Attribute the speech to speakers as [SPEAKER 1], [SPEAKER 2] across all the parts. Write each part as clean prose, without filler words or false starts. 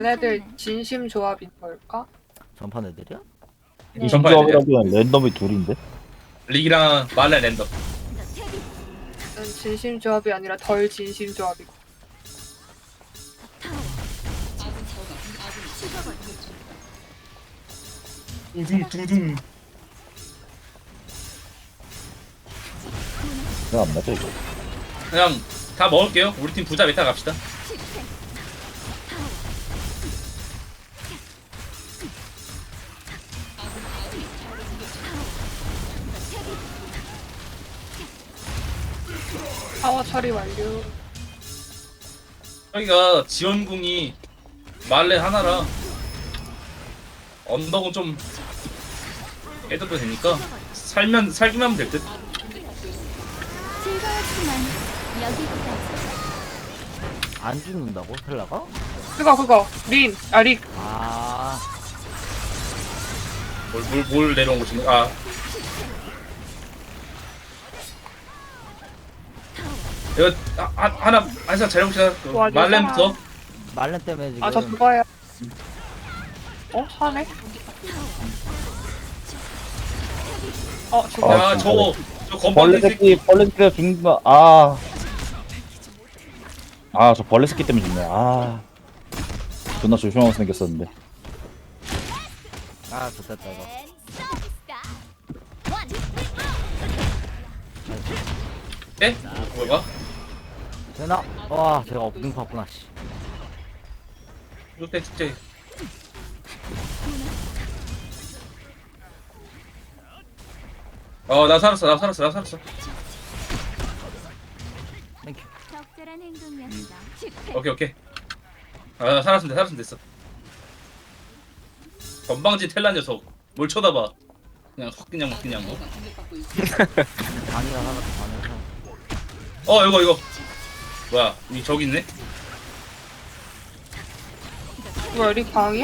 [SPEAKER 1] 얘네들 진심 조합인 걸까?
[SPEAKER 2] 전판 애들이야?
[SPEAKER 1] 네.
[SPEAKER 3] 전파 애들이야.
[SPEAKER 4] 조합이라기엔 랜덤이 둘인데?
[SPEAKER 3] 릭이랑 말레 랜덤.
[SPEAKER 1] 진심 조합이 아니라 덜 진심 조합이고.
[SPEAKER 3] 두둥.
[SPEAKER 4] 그냥 안 맞아 이거.
[SPEAKER 3] 그냥 다 먹을게요. 우리 팀 부자 메타 갑시다.
[SPEAKER 1] 파워 처리 완료.
[SPEAKER 3] 여기가 지원궁이 말레 하나라 언덕은 좀 해도 되니까 살기만 하면 될 듯.
[SPEAKER 5] 즐거웠지만 여기까지.
[SPEAKER 2] 안 죽는다고? 텔라가?
[SPEAKER 1] 그거 린! 아 릭!
[SPEAKER 2] 아
[SPEAKER 3] 뭘 내려온 거지? 아, 이거 하나 잘해봅시다. 그
[SPEAKER 1] 와,
[SPEAKER 3] 말렘부터.
[SPEAKER 2] 말렌 때문에 지금
[SPEAKER 1] 아 저 그거야. 사네? 저거.
[SPEAKER 3] 야,
[SPEAKER 4] 진짜.
[SPEAKER 3] 저
[SPEAKER 4] 벌레
[SPEAKER 3] 건방진 새끼.
[SPEAKER 4] 새끼, 벌레 새끼가 죽는 거, 저 벌레 새끼 때문에 죽네. 존나 조심하고 생겼었는데.
[SPEAKER 2] 아 좋겠다 이거.
[SPEAKER 3] 네? 뭐가?
[SPEAKER 2] 되나? 와 제가 업링 봤구나 씨.
[SPEAKER 3] 이때 진짜. 나 살았어.
[SPEAKER 2] 땡큐.
[SPEAKER 5] 적절한 행동이었어.
[SPEAKER 3] 오케이. 나 살았으면 됐어. 건방진 텔라 녀석. 뭘 쳐다봐. 그냥 확 그냥 뭐.
[SPEAKER 2] 방이라 하나 방이라.
[SPEAKER 3] 이거. 뭐야? 저기 있네?
[SPEAKER 1] 뭐야 릭 방이야?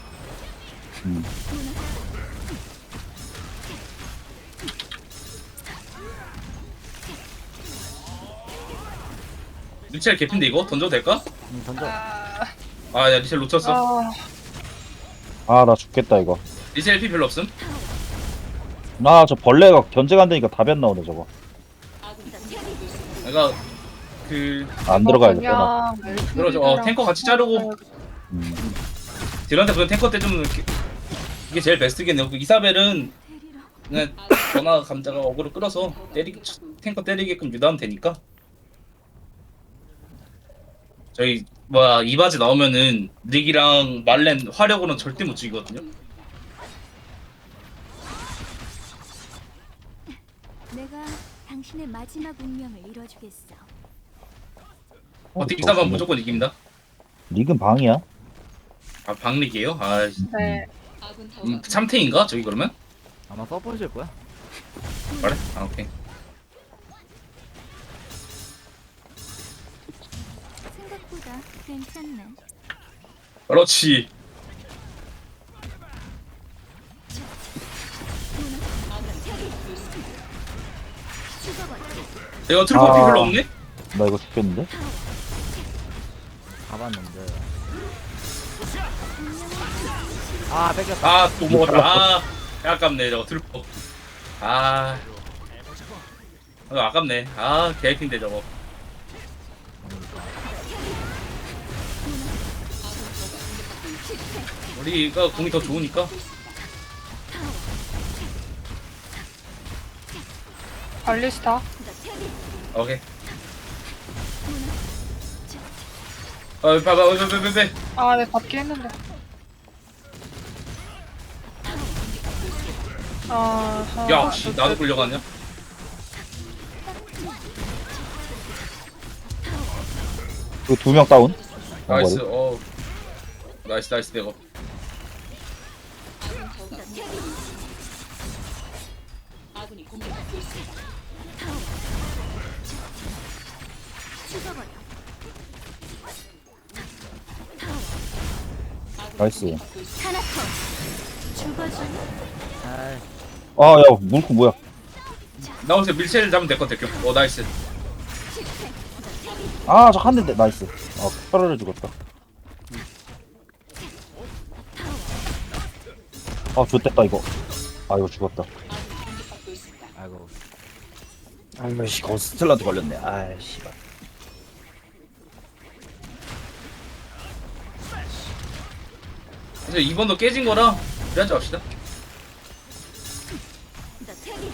[SPEAKER 3] 리첼 개핀데 이거? 던져도 될까?
[SPEAKER 2] 던져.
[SPEAKER 3] 야, 리첼 놓쳤어.
[SPEAKER 4] 나 죽겠다, 이거.
[SPEAKER 3] 리첼 피 별로 없음?
[SPEAKER 4] 저 벌레가 견제가 안 되니까 답이 안 나오네, 저거.
[SPEAKER 3] 내가
[SPEAKER 4] 안 들어가야겠다, 나.
[SPEAKER 3] 그러죠. 탱커 같이 자르고 딜한테 그냥 탱커 때 좀 이게 제일 베스트겠네요. 이사벨은 그냥 전화 감자가 어그로 끌어서 탱커 때리게끔 유도하면 되니까. 저희 이바지 나오면은 닉이랑 말렌 화력으로는 절대 못 죽이거든요.
[SPEAKER 5] 내가 당신의 마지막 운명을 이뤄주겠어.
[SPEAKER 3] 어떻게 이사벨 무조건 이깁니다.
[SPEAKER 4] 릭은 방이야?
[SPEAKER 3] 방릭이에요?
[SPEAKER 1] 네.
[SPEAKER 3] 3탱인가? 저기 그러면?
[SPEAKER 2] 아마 서포트일 거야.
[SPEAKER 3] 그래? 오케이.
[SPEAKER 5] 생각보다 괜찮네.
[SPEAKER 3] 그렇지. 내가 트루퍼 피 별로 없네?
[SPEAKER 4] 나 이거 죽겠는데?
[SPEAKER 2] 가봤는데. 뺏겼다.
[SPEAKER 3] 또 먹었다. 아깝네 저거 트루퍼. 아깝네. 개핀데 저거. 우리가 공이 더 좋으니까.
[SPEAKER 1] 발리스타.
[SPEAKER 3] 오케이. 빼.
[SPEAKER 1] 네 받기 했는데.
[SPEAKER 3] 야, 씨, 나도 끌려갔냐?
[SPEAKER 4] 그 2명 다운?
[SPEAKER 3] 나이스. 나이스 내가.
[SPEAKER 4] 나이스.
[SPEAKER 5] 타나토 죽어줘.
[SPEAKER 2] 아이,
[SPEAKER 4] 야, 물고 뭐야?
[SPEAKER 3] 나오세요. 밀체를 잡으면 될 것 같아. 나이스.
[SPEAKER 4] 저 한 대인데, 나이스. 뼈를 죽었다. 아 좋댔다 이거. 아 이거 죽었다.
[SPEAKER 2] 아이고.
[SPEAKER 4] 아이고 씨 거스텔라도 걸렸네. 아이 씨발.
[SPEAKER 3] 이제 2번도 깨진 거라 그래야지 합시다.
[SPEAKER 5] 너 태기.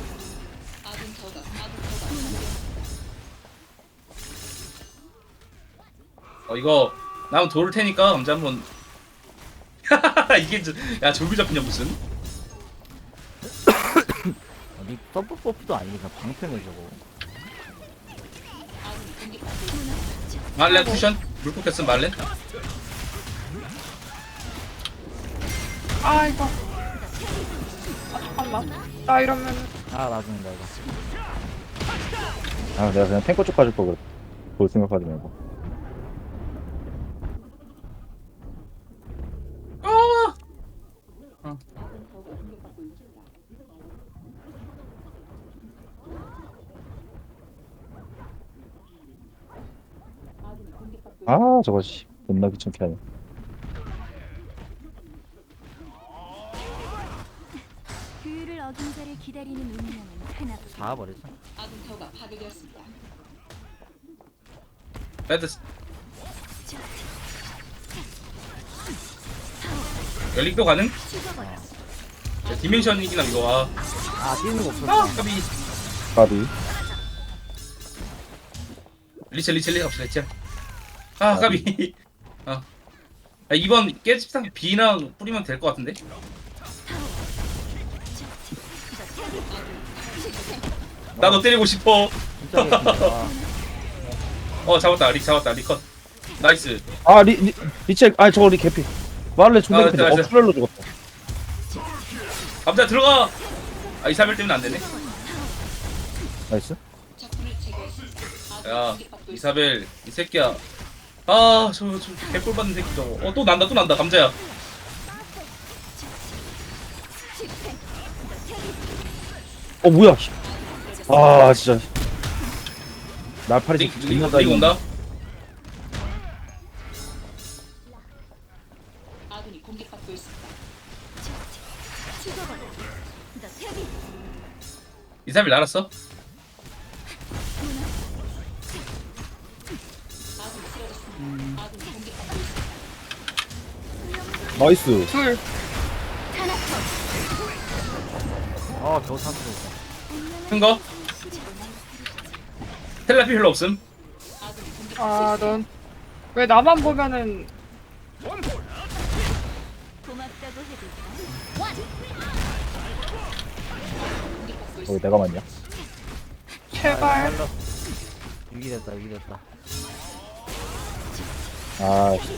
[SPEAKER 3] 이거 나면 도울 테니까 감자 한번. 이게 야 졸부 잡히냐 무슨?
[SPEAKER 2] 니 서브 버프도 아니니까 방패네 저거.
[SPEAKER 3] 말렌 쿠션 물폭 했음 말렌.
[SPEAKER 1] 아 이거. 아 잠깐만. 나 이러면
[SPEAKER 2] 아 나중에 나 이거.
[SPEAKER 4] 아 내가 그냥 탱커 쪽 가줄 거 그래. 볼 생각하지 말고. 아 저거 씨 겁나 귀찮게 하네.
[SPEAKER 5] 규율을 어긴 자를 기다리는 운명은 하나뿐.
[SPEAKER 2] 잡아버렸어.
[SPEAKER 3] 레드 열릭도 가능? 자, 디멘션이긴 함 이거.
[SPEAKER 2] 아 뛰는 거 없었어.
[SPEAKER 3] 까비.
[SPEAKER 4] 까비.
[SPEAKER 3] 리첼 없어. 까비. 아 2번 깨집상 B나 뿌리면 될 것 같은데. 나 너 때리고 싶어.
[SPEAKER 2] 진짜 개꿀이다.
[SPEAKER 3] 잡았다 리컷. 나이스.
[SPEAKER 4] 아 리첼 아 저거 리 개피. 말레 존나 개피.
[SPEAKER 3] 나이스.
[SPEAKER 4] 프렐로 죽었다.
[SPEAKER 3] 감자 들어가. 이사벨 때문에 안 되네.
[SPEAKER 4] 나이스.
[SPEAKER 3] 야 이사벨 이 새끼야. 저 개꿀 받는 새끼 저거. 또 난다 감자야.
[SPEAKER 4] 뭐야. 씨. 아 진짜. 날파리 새끼 존나
[SPEAKER 3] 릭 온다.
[SPEAKER 5] 죽어버려. 너 태기.
[SPEAKER 3] 이사벨 날았어.
[SPEAKER 4] 나이스.
[SPEAKER 1] 둘.
[SPEAKER 2] 겨우 삼수.
[SPEAKER 3] 큰 거. 텔레피 별로 없음.
[SPEAKER 1] 아 넌 왜 나만 보면은
[SPEAKER 5] 고맙다고 해도
[SPEAKER 4] 내가 맞냐?
[SPEAKER 1] 제발.
[SPEAKER 2] 유기됐다 유기됐다.
[SPEAKER 4] 아 씨.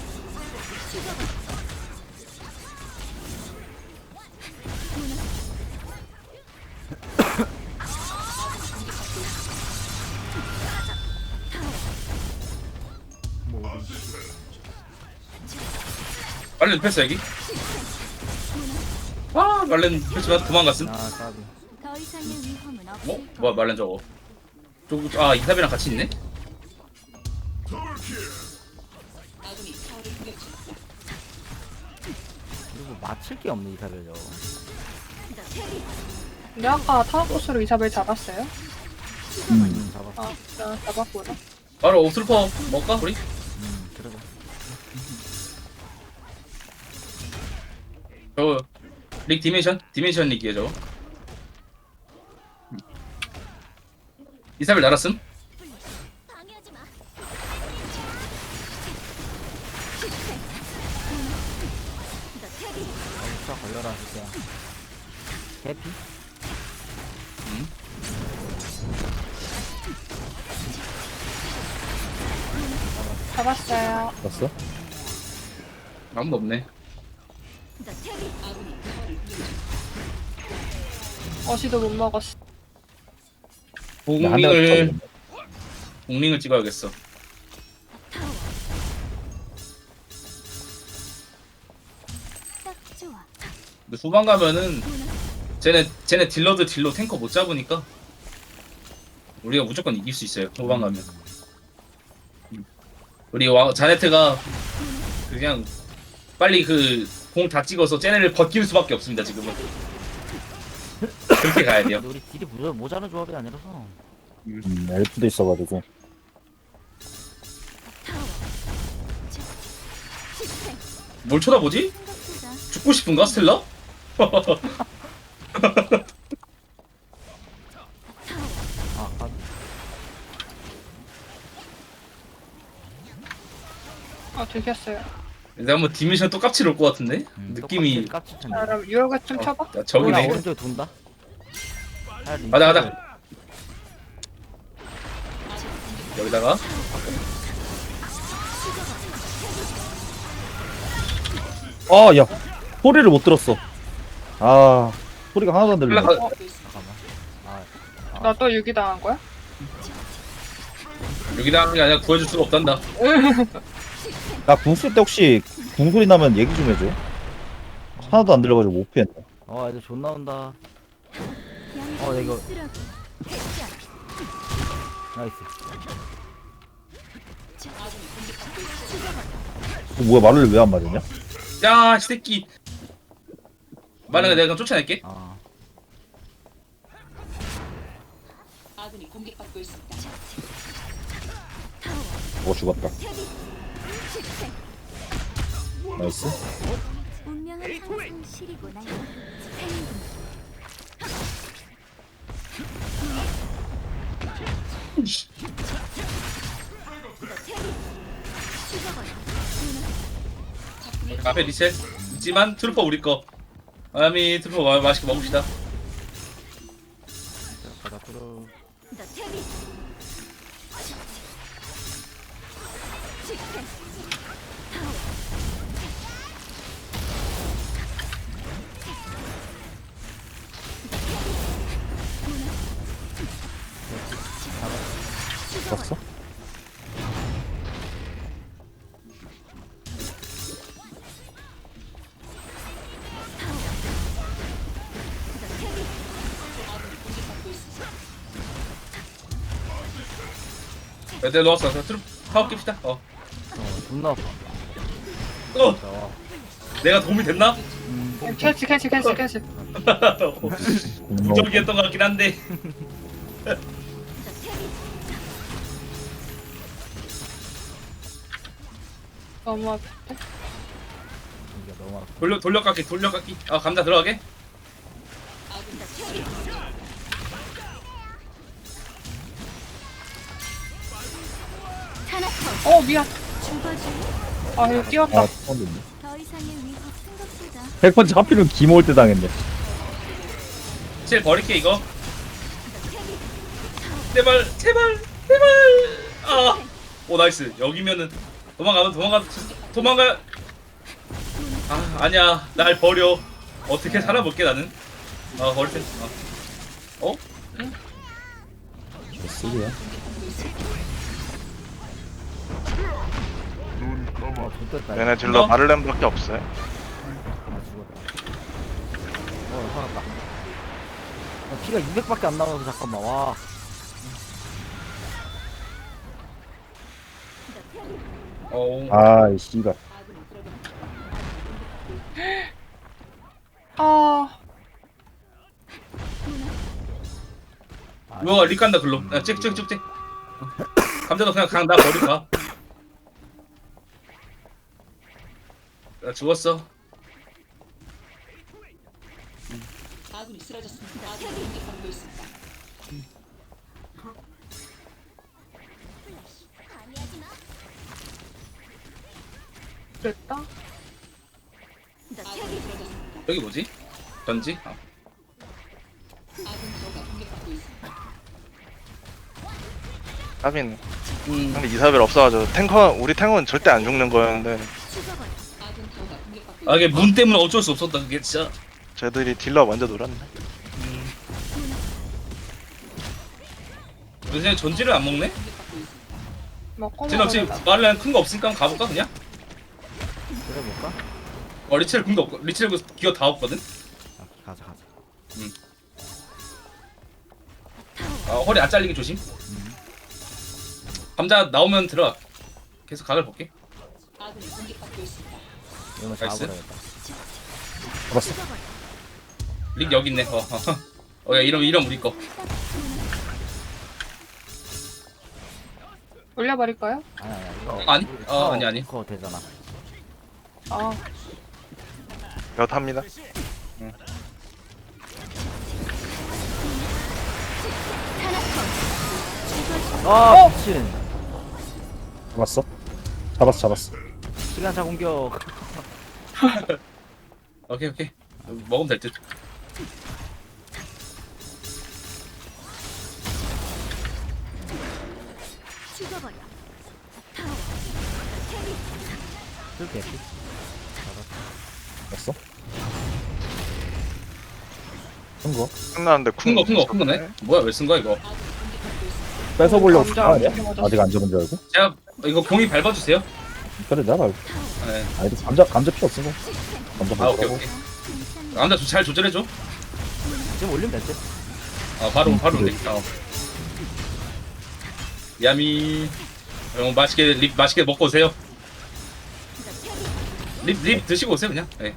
[SPEAKER 3] 말렌 뺐어 여기. 말렌 뺐지만 도망갔음.
[SPEAKER 2] 아 까비.
[SPEAKER 5] 더 이상의 위험은 없을
[SPEAKER 3] 뭐야 말렌 저거. 이사벨이랑 같이 있네.
[SPEAKER 2] 그리고 맞힐 게 없네 이사벨 저거.
[SPEAKER 1] 근데 아까 타워코스로 이사벨 잡았어요?
[SPEAKER 2] 잡았어.
[SPEAKER 1] 아, 나 잡았구나.
[SPEAKER 3] 바로 옵슬퍼 먹을까 우리?
[SPEAKER 2] 그러자.
[SPEAKER 3] 릭 디멘션 릭이에요 저거. 이사벨 날았음.
[SPEAKER 5] 방해하지 마. 너 태기.
[SPEAKER 2] 자 걸려라 진짜. 개피?
[SPEAKER 1] 잡았어요.
[SPEAKER 4] 봤어?
[SPEAKER 3] 아무도 없네.
[SPEAKER 5] 너 태기.
[SPEAKER 1] 어시도 못 먹었어.
[SPEAKER 4] 한 대가
[SPEAKER 3] 공링을 찍어야겠어.
[SPEAKER 5] 딱 좋아.
[SPEAKER 3] 근데 후반 가면은 쟤네 딜러 탱커 못 잡으니까 우리가 무조건 이길 수 있어요. 후반 가면. 우리 자네트가 그냥 빨리 그 공 다 찍어서 쟤네를 버틸 수밖에 없습니다 지금은. 그렇게 가야 돼요.
[SPEAKER 2] 근데 우리 딜이 모자란 조합이 아니라서.
[SPEAKER 4] 엘프도 있어가지고.
[SPEAKER 3] 뭘 쳐다보지?
[SPEAKER 5] 생각보다
[SPEAKER 3] 죽고 싶은가 스텔라?
[SPEAKER 2] 아,
[SPEAKER 1] 들켰어요.
[SPEAKER 3] 근데 한번 디미션 또 깝칠 올것 같은데? 느낌이
[SPEAKER 2] 깝칠 텐데.
[SPEAKER 1] 자, 그럼 유효가 좀 쳐봐.
[SPEAKER 3] 야, 저기네.
[SPEAKER 2] 오른쪽에 돈다.
[SPEAKER 3] 가자 가자. 여기다가
[SPEAKER 4] 아, 야. 소리를 못 들었어. 아, 소리가 하나도 안 들려.
[SPEAKER 3] 올라가.
[SPEAKER 1] 나 또 유기 당한 거야?
[SPEAKER 3] 여기다 하는 게 아니라 구해줄 수가 없단다.
[SPEAKER 4] 나 궁 쓸 때 혹시 궁 소리 나면 얘기 좀 해줘. 하나도 안 들려가지고 못 피했네.
[SPEAKER 2] 애들 존 나온다.
[SPEAKER 5] 양심의
[SPEAKER 2] 이거-
[SPEAKER 5] 쓰라고. 대장.
[SPEAKER 2] 나이스.
[SPEAKER 4] 뭐야, 말을 왜 안 맞았냐?
[SPEAKER 3] 야, 이 새끼. 만약에 내가 그럼 쫓아낼게.
[SPEAKER 2] 아,
[SPEAKER 4] 죽었다. 나이스.
[SPEAKER 5] 운명은 항상 시리고 날
[SPEAKER 3] 앞에 리셋. 있지만 트루퍼 우리 거. 아미 트루퍼 맛있게 먹읍시다.
[SPEAKER 2] 가자 들어.
[SPEAKER 4] 봤어?
[SPEAKER 3] 애들 넣었어. 트루퍼 파워 깁시다.
[SPEAKER 2] 존나 아파.
[SPEAKER 3] 어. 내가 도움이 됐나?
[SPEAKER 1] 캔슬.
[SPEAKER 3] 부적이었던 것 같긴 한데.
[SPEAKER 1] 너무 아파.
[SPEAKER 2] 이게 너무 아파.
[SPEAKER 3] 돌려깎기. 아, 감자 들어가게.
[SPEAKER 1] 미안.
[SPEAKER 5] 죽어줄.
[SPEAKER 1] 아, 이거 뛰었다.
[SPEAKER 4] 아, 처음 듣네.
[SPEAKER 5] 더 이상의 위협 생각보다
[SPEAKER 4] 100번째 하필은 기모올 때 당했네.
[SPEAKER 3] 실 버릴게 이거. 제발. 아. 오 나이스. 여기면은 도망가. 아 아니야. 날 버려. 어떻게 살아볼게 나는. 아 버릴 때. 어?
[SPEAKER 4] 쓰리야.
[SPEAKER 2] 좋됐다.
[SPEAKER 6] 얘네 딜러
[SPEAKER 3] 어?
[SPEAKER 6] 마를렌밖에 없어요.
[SPEAKER 2] 아 죽었다. 살았다. 피가 200밖에 안 나와서 잠깐만. 와.
[SPEAKER 4] 아, 이 씨발.
[SPEAKER 3] 뭐야 리 깐다 글로. 야 찍. 감자도 그냥 나 버리고 가. 나 죽었어.
[SPEAKER 1] 됐다.
[SPEAKER 3] 여기 뭐지? 전지?
[SPEAKER 6] 하빈 근데 이사벨 없어가지고 우리 탱커는 절대 안 죽는 거였는데
[SPEAKER 3] 아 이게 문 때문에 어쩔 수 없었다 그게 진짜.
[SPEAKER 6] 쟤들이 딜러 먼저 놀았네.
[SPEAKER 3] 요새 전지를 안 먹네?
[SPEAKER 1] 먹고
[SPEAKER 3] 쟤는 지금 말을 큰 거 없으니까 한번 가볼까 그냥?
[SPEAKER 2] 그래 볼까?
[SPEAKER 3] 리첼 궁도 없고 리첼 기어 다 없거든?
[SPEAKER 2] 가자.
[SPEAKER 3] 허리 안 잘리게 조심. 감자 나오면 들어가. 계속 각을 볼게.
[SPEAKER 2] 이거
[SPEAKER 3] 나이스.
[SPEAKER 2] 잡아버려야겠다.
[SPEAKER 4] 잡았어.
[SPEAKER 3] 릭 여기 있네. 야, 이러면 우리 거.
[SPEAKER 1] 올려버릴까요?
[SPEAKER 2] 아니야 이거.
[SPEAKER 3] 아니? 아니.
[SPEAKER 2] 그거 되잖아.
[SPEAKER 1] 아,
[SPEAKER 6] 몇 합니다.
[SPEAKER 2] 아 미친.
[SPEAKER 4] 잡았어. 잡았어.
[SPEAKER 2] 시간차 공격.
[SPEAKER 3] 오케이. 먹으면 될 듯.
[SPEAKER 5] 죽어버려.
[SPEAKER 2] 쓸게.
[SPEAKER 4] 잡았어. 쓴 거.
[SPEAKER 6] 끝나는데
[SPEAKER 3] 큰 거네. 뭐야 왜 쓴 거야 이거?
[SPEAKER 4] 뺏어보려고
[SPEAKER 1] 감자
[SPEAKER 4] 쓴거 아니야?
[SPEAKER 1] 어떻게 맞았어?
[SPEAKER 4] 아직 안 잡은 줄 알고?
[SPEAKER 3] 제가 이거 공이 밟아주세요.
[SPEAKER 4] 그래 내가 알고.
[SPEAKER 3] 네.
[SPEAKER 4] 아니 감자 필요 없어. 감자
[SPEAKER 3] 오케이.
[SPEAKER 4] 먹으라고.
[SPEAKER 3] 남자 잘 조절해줘.
[SPEAKER 2] 지금 올리면 될 듯.
[SPEAKER 3] 바로
[SPEAKER 4] 그래.
[SPEAKER 3] 돼. 야미. 형 맛있게 먹고 오세요. 립 드시고 오세요 그냥. 네.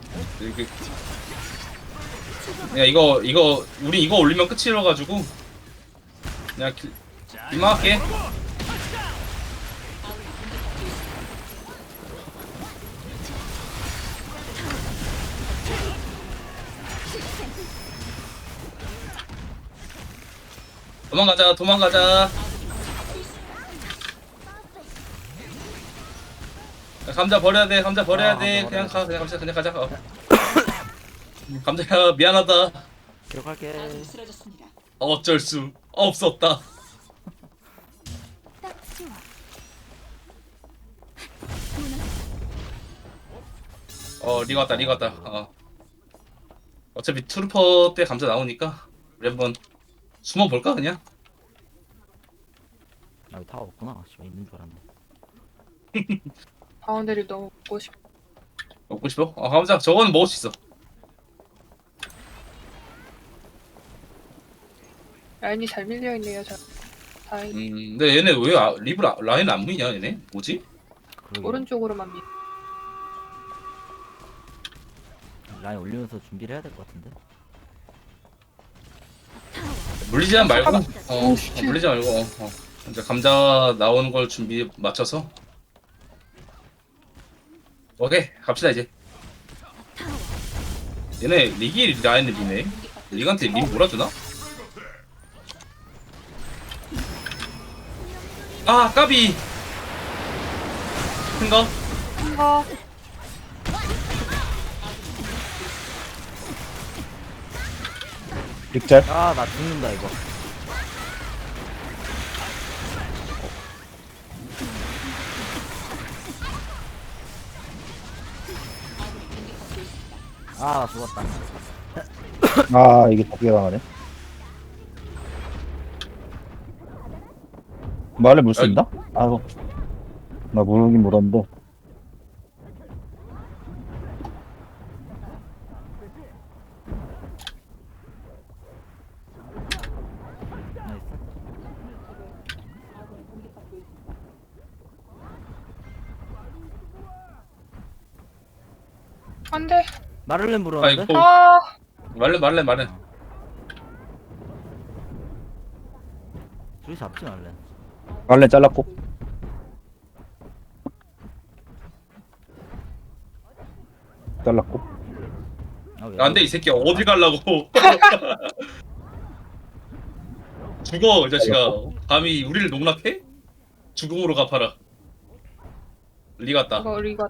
[SPEAKER 3] 그냥 이거 우리 이거 올리면 끝이라 가지고 그냥 이만할게. 도망가자. 감자 버려야 돼. 감자 버려야 돼. 그냥 가자. 감자야 미안하다.
[SPEAKER 2] 기록할게.
[SPEAKER 3] 어쩔 수 없었다.
[SPEAKER 5] 딱 좋아.
[SPEAKER 3] 리가 왔다. 어차피 트루퍼 때 감자 나오니까 우리 한번 숨어 볼까 그냥.
[SPEAKER 2] 아 여기 다 없구나. 씨발 있는 줄 알았네.
[SPEAKER 1] 바운드리 너무 먹고 싶어.
[SPEAKER 3] 먹고 싶어? 감자 저거는 먹을 수 있어.
[SPEAKER 1] 라인이 잘 밀려있네요, 저. 다행.
[SPEAKER 3] 근데 얘네 왜 라인 안 보이냐 얘네? 뭐지?
[SPEAKER 2] 그러게.
[SPEAKER 1] 오른쪽으로만 밀.
[SPEAKER 2] 라인 올리면서 준비를 해야 될 것 같은데.
[SPEAKER 3] 물리지 말고
[SPEAKER 1] 오, 씨.
[SPEAKER 3] 물리지 말고 이제 감자 나오는 걸 준비 맞춰서 오케이 갑시다 이제. 얘네 리기 라인을 미네. 리한테 리 몰아주나? 아 까비. 큰거?
[SPEAKER 1] 거.
[SPEAKER 4] 빅잘.
[SPEAKER 2] 아나 죽는다 이거. 아 죽었다.
[SPEAKER 4] 아 이게 덮개 당하네. 말을 물 수 있나? 아이고. 나 물긴 물었는데.
[SPEAKER 2] 나이스.
[SPEAKER 1] 안 돼.
[SPEAKER 2] 마를렌 불었는데?
[SPEAKER 3] 아이고.
[SPEAKER 1] 아,
[SPEAKER 3] 말래.
[SPEAKER 2] 둘이 잡지 말래.
[SPEAKER 4] 말레 잘랐고. 잘랐고.
[SPEAKER 3] 안돼 이 새끼 어딜 갈라고. 죽어 이 자식아. 감히 우리를 농락해? 죽음으로 갚아라. 리 같다.
[SPEAKER 1] 이거 리가.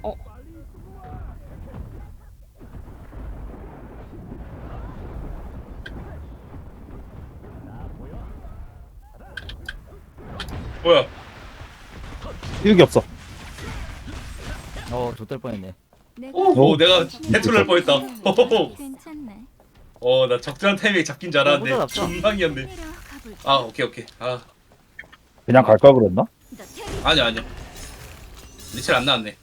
[SPEAKER 3] 뭐야?
[SPEAKER 4] 일기 없어.
[SPEAKER 2] 좆될 뻔했네.
[SPEAKER 3] 오, 내가 해투를 할 뻔했다.
[SPEAKER 5] 괜찮네.
[SPEAKER 3] 나 적절한 타이밍에 잡긴 줄 알았는데
[SPEAKER 2] 혼자 잡자.
[SPEAKER 3] 중방이었네.
[SPEAKER 5] 내려가볼까?
[SPEAKER 3] 오케이.
[SPEAKER 4] 그냥 갈 걸 그랬나?
[SPEAKER 3] 아니야. 리첼 안 나왔네.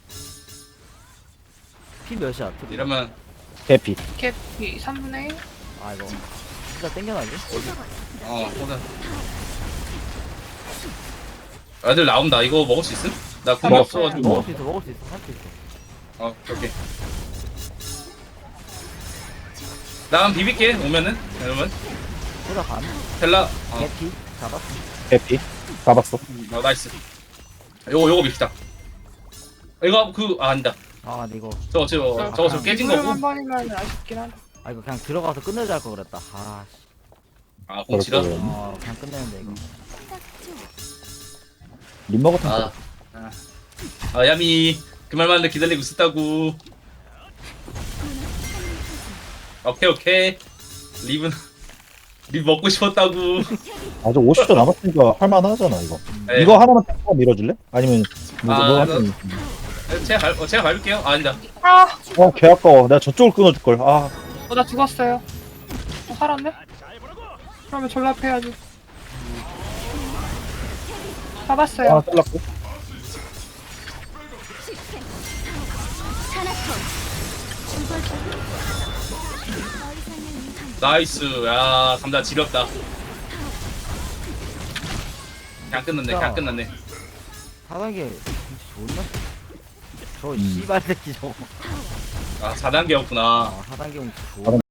[SPEAKER 2] 피 몇이야?
[SPEAKER 3] 이러면
[SPEAKER 4] 개피.
[SPEAKER 1] 캡이 3분의 1?
[SPEAKER 2] 아 이거 진짜 땡겨나지?
[SPEAKER 3] 호다. 애들 나온다. 이거 먹을 수 있음? 나 궁이
[SPEAKER 4] 먹어.
[SPEAKER 3] 없어가지고.
[SPEAKER 2] 먹을 수 있어 할 수 있어.
[SPEAKER 3] 오케이. 나만 비빌게 오면은 여러분.
[SPEAKER 2] 보다 반.
[SPEAKER 3] 텔라.
[SPEAKER 2] 개피 잡았어.
[SPEAKER 4] 해피 잡았어.
[SPEAKER 3] 나이스. 요거 밉시다. 이거 아니다.
[SPEAKER 2] 아 근데 이거
[SPEAKER 3] 저거 깨진 거고.
[SPEAKER 1] 한 번이면 아쉽긴 한데.
[SPEAKER 2] 아 이거 그냥 들어가서 끝내자 할 걸 그랬다. 아 씨.
[SPEAKER 3] 아 공치다.
[SPEAKER 2] 그냥 끝내는데 이거.
[SPEAKER 4] 림머 같은
[SPEAKER 3] 아.
[SPEAKER 4] 거.
[SPEAKER 3] 야미 그 말만 기다리고 있었다고. 오케이. 립 먹고 싶었다고.
[SPEAKER 4] 아직 50초 남았으니까 할만하잖아 이거.
[SPEAKER 3] 네.
[SPEAKER 4] 이거 하나만 딱 밀어줄래? 아니면 뭐
[SPEAKER 3] 아,
[SPEAKER 4] 한테
[SPEAKER 3] 제가 밟을게요. 아니다.
[SPEAKER 4] 개 아까워. 내가 저쪽을 끊어줄 걸. 아,
[SPEAKER 1] 나 죽었어요. 살았네? 그러면 졸라 패야지. 잡았어요.
[SPEAKER 4] 하나 잘랐고.
[SPEAKER 3] 나이스. 야 감자 지렸다. 그냥 끝났네.
[SPEAKER 2] 4단계 진짜 좋나? 저 씨발 새끼 저거.
[SPEAKER 3] 아 4단계였구나.
[SPEAKER 2] 4단계 용 좋은